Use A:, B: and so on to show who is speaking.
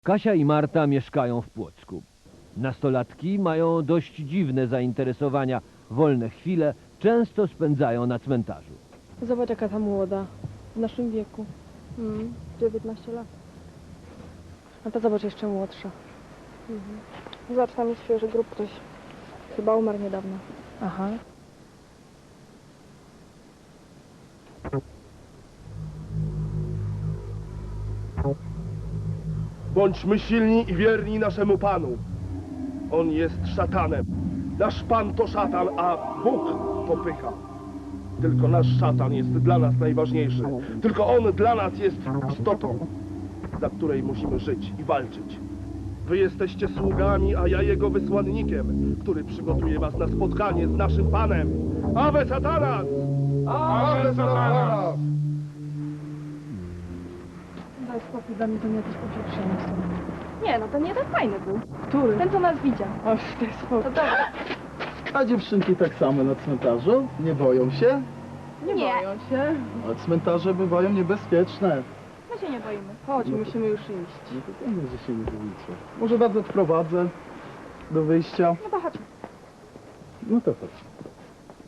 A: Kasia i Marta mieszkają w Płocku. Nastolatki mają dość dziwne zainteresowania. Wolne chwile często spędzają na cmentarzu.
B: Zobacz, jaka ta młoda. W naszym wieku. 19 lat. A ta zobacz, jeszcze młodsza. Zobacz, tam jest świeży grób, ktoś chyba umarł niedawno. Aha.
C: Bądźmy silni i wierni naszemu Panu. On jest szatanem. Nasz Pan to szatan, a Bóg to pycha. Tylko nasz szatan jest dla nas najważniejszy. Tylko on dla nas jest istotą, dla której musimy żyć i walczyć. Wy jesteście sługami, a ja jego wysłannikiem, który przygotuje was na spotkanie z naszym Panem. Ave Satanas! Ave Satanas!
B: Daj spokój, dla mnie to nie jakieś popieprzenie są.
D: Nie, no to nie ten fajny był.
B: Który?
D: Ten, co nas widział.
B: Oż, daj
D: To
B: spokój.
D: dobra.
E: A dziewczynki tak samo na cmentarzu? Nie boją się?
B: Nie
D: Nie.
B: boją się.
E: A cmentarze bywają niebezpieczne.
D: My się nie boimy.
B: Chodź,
E: No to-
B: musimy już iść.
E: Nie to pewnie, że się nie boicie. Może was odprowadzę do wyjścia.
D: No to chodźmy.
E: No to chodź.